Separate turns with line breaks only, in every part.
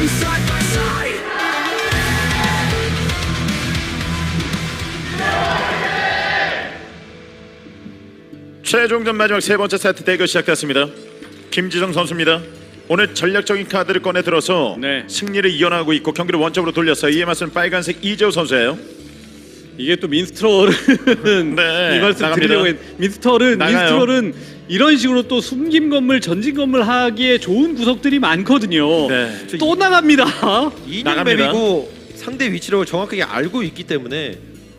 최종전 마지막 세 번째 세트 대결 시작됐습니다. 김지성 선수입니다. 오늘 전략적인 카드를 꺼내 들어서
네.
승리를 이어나가고 있고 경기를 원점으로 돌렸어요. 이에 맞선 빨간색 이재호 선수예요.
이게 또 민스트롤은
네,
이 말씀
나갑니다.
드리려고 민스트롤은 이런 식으로 또 숨김 건물, 전진 건물 하기에 좋은 구석들이 많거든요.
네.
또 나갑니다.
2년
나갑니다.
맵이고 상대 위치를 정확하게 알고 있기 때문에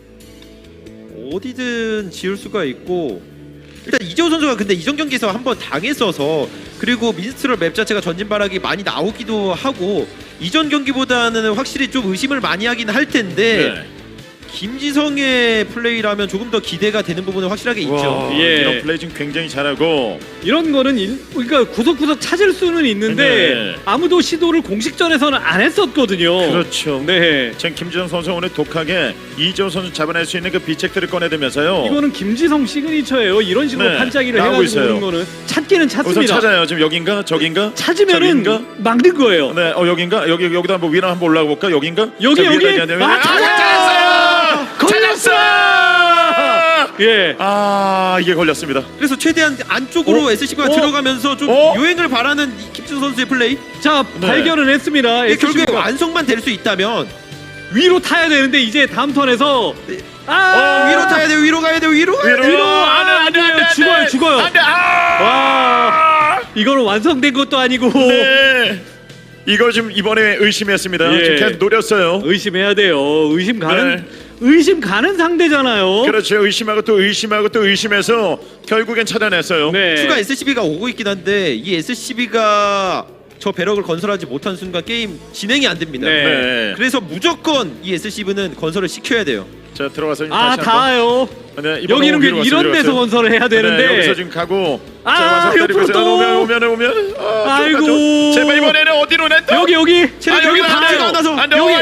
어디든 지을 수가 있고, 일단 이재호 선수가 근데 이전 경기에서 한번 당했어서, 그리고 민스트롤 맵 자체가 전진바락이 많이 나오기도 하고 이전 경기보다는 확실히 좀 의심을 많이 하긴 할 텐데
네.
김지성의 플레이라면 조금 더 기대가 되는 부분은 확실하게 있죠.
예.
이런 플레이 지금 굉장히 잘하고
이런 거는 그러니까 구석구석 찾을 수는 있는데
네.
아무도 시도를 공식전에서는 안 했었거든요.
그렇죠.
네.
지금 김지성 선수 오늘 독하게 이재호 선수 잡아낼 수 있는 그 비책들을 꺼내들면서요.
이거는 김지성 시그니처예요. 이런 식으로
네,
반짝이를
나오고
해가지고
있어요.
오는 거는 찾기는
우선
찾습니다.
찾아요. 지금 여긴가 저긴가
찾으면은
저긴가?
막는 거예요.
네, 여긴가 여기다 한번 위로 한번 올라가 볼까? 여긴가?
여기
자,
여기.
위에다 이제
찾았어요.
찾았어!
예.
아, 이게 걸렸습니다.
그래서 최대한 안쪽으로 SCB가 들어가면서 좀 유행을 바라는 이 김지성 선수의 플레이.
자,
네.
발견을 했습니다.
이게 결국에
SCB 가
완성만 될 수 있다면
위로 타야 되는데 이제 다음 턴에서
위로 타야 돼요. 위로 가야 돼요. 위로 가야 돼요.
위로 안 돼요. 죽어요.
안 돼.
와. 이거는 완성된 것도 아니고
네. 이걸 지금 이번에 의심했습니다.
예.
지금 계속 노렸어요.
의심해야 돼요.
네.
의심 가는 상대잖아요.
그렇죠. 의심하고 또 의심해서 결국엔 찾아냈어요.
네.
추가 SCB가 오고 있긴 한데 이 SCB가 저 배럭을 건설하지 못한 순간 게임 진행이 안 됩니다.
네.
네.
그래서 무조건 이 SCB는 건설을 시켜야 돼요.
자, 들어가서
아,
다시
닿아요.
네, 이번에
여기는
위로
이런
갔어요,
데서
들어갔어요.
건설을 해야 되는데.
네, 여기서 지금 가고
아,
자, 완성 때리고
옆으로
있어요.
또.
오면
아이고.
제발 이번에는 어디로 냈다?
여기
체력이
여기
닿지가
닿아요.
않아서.
안돼
여기.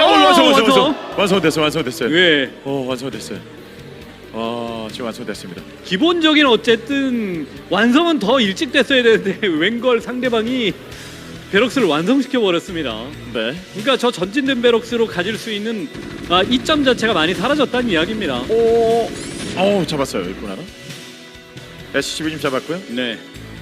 완성됐어요.
예.
완성됐어요. 지금 완성됐습니다.
기본적인 어쨌든 완성은 더 일찍 됐어야 되는데 웬걸 상대방이 베럭스를 완성시켜 버렸습니다.
네.
그러니까 저 전진된 베럭스로 가질 수 있는 이점 자체가 많이 사라졌다는 이야기입니다.
잡았어요. 일꾼 하나. SCB 좀 잡았고요.
네.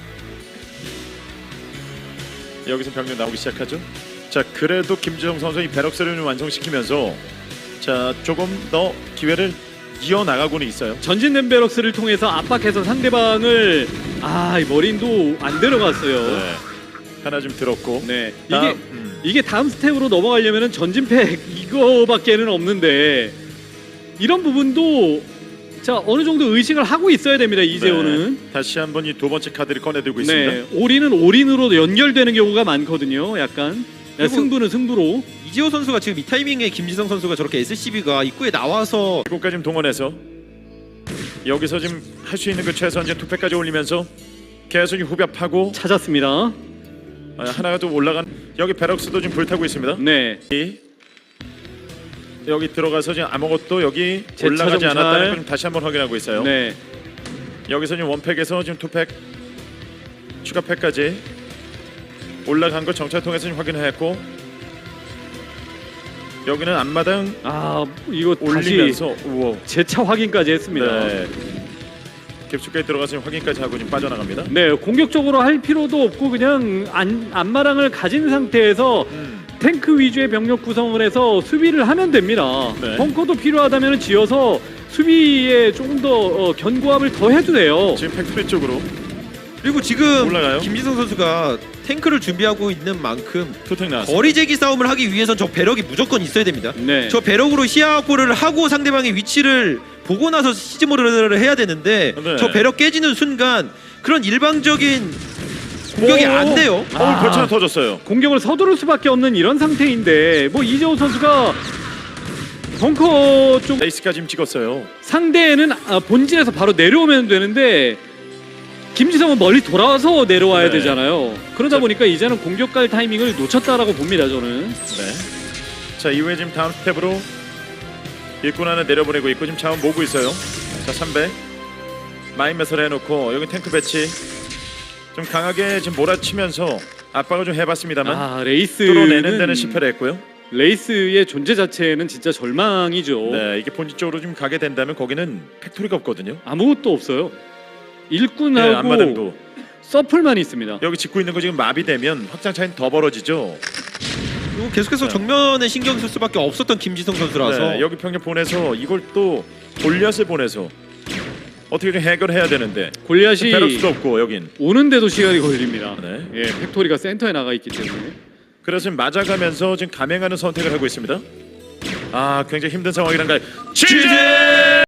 여기서 병력 나오기 시작하죠. 자, 그래도 김지성 선수 이 베럭스를 좀 완성시키면서 자, 조금 더 기회를 이어나가고는 있어요.
전진된 베럭스를 통해서 압박해서 상대방을 이 머린도 안 들어갔어요.
네. 하나 좀 들었고.
네.
다음,
이게 다음 스텝으로 넘어가려면은 전진팩 이거밖에는 없는데 이런 부분도 자 어느 정도 의식을 하고 있어야 됩니다. 이재호는.
네. 다시 한번 이 두 번째 카드를 꺼내들고
네.
있습니다.
올인은 올인으로 연결되는 경우가 많거든요. 약간
그리고
승부는 승부로.
이지호 선수가 지금 이 타이밍에 김지성 선수가 저렇게 SCB가 입구에 나와서
이곳까지 좀 동원해서 여기서 지금 할 수 있는 그 최선 이제 투패까지 올리면서 계속 후벼파고
찾았습니다.
하나가 또 올라간 여기 베럭스도 지금 불타고 있습니다.
네.
여기 들어가서 지금 아무것도 여기
재차
올라가지
정찰.
않았다는 걸 다시 한번 확인하고 있어요.
네.
여기서 지금 원팩에서 지금 투팩 추가 팩까지 올라간 거 정찰 통해서 지금 확인했고 여기는 앞마당
이거 다시
올리면서 우와.
재차 확인까지 했습니다.
네. 깊숙하게 들어가서 확인까지 하고 지금 빠져나갑니다.
네, 공격적으로 할 필요도 없고 그냥 안마랑을 가진 상태에서 탱크 위주의 병력 구성을 해서 수비를 하면 됩니다.
네.
벙커도 필요하다면 지어서 수비에 조금 더 견고함을 더 해도 돼요.
지금 팩토리 쪽으로
그리고 지금
올라가요?
김지성 선수가 탱크를 준비하고 있는 만큼
투택 나왔어요.
거리 제기 싸움을 하기 위해선 저 배럭이 무조건 있어야 됩니다.
네.
저 배럭으로 시야 확보를 하고 상대방의 위치를 보고 나서 시즈모드를 해야 되는데
네.
저 배럭 깨지는 순간 그런 일방적인 공격이 안 돼요.
벌써 하나 터졌어요.
공격을 서두를 수밖에 없는 이런 상태인데 뭐 이재호 선수가 벙커 쪽
레이스까지 지금 찍었어요.
상대는 본진에서 바로 내려오면 되는데 김지성은 멀리 돌아와서 내려와야
네.
되잖아요. 그러다 보니까 이제는 공격 갈 타이밍을 놓쳤다라고 봅니다. 저는.
네. 자, 이후에 지금 다음 스텝으로 일꾼 하나 내려보내고 있고 지금 자원 모으고 있어요. 자, 300 마인 매설 해놓고 여기 탱크 배치 좀 강하게 지금 몰아치면서 압박을 좀 해봤습니다만
아 레이스는
뚫어내는 데는 실패를 했고요.
레이스의 존재 자체는 진짜 절망이죠.
네, 이게 본진 쪽으로 좀 가게 된다면 거기는 팩토리가 없거든요.
아무것도 없어요.
네,
일꾼하고
앞마당도
서플만 있습니다.
여기 짓고 있는 거 지금 마비되면 확장 차이는 더 벌어지죠.
그리고 계속해서 정면에 신경 쓸 수밖에 없었던 김지성 선수라서
네, 여기 병력 보내서 이걸 또 골리앗을 보내서 어떻게 좀 해결해야 되는데
골리앗이
베럭스도 없고 여긴.
오는데도 시간이 걸립니다.
네.
예, 팩토리가 센터에 나가 있기 때문에.
그래서 지금 맞아가면서 지금 감행하는 선택을 하고 있습니다. 아, 굉장히 힘든 상황이란가요. 취재!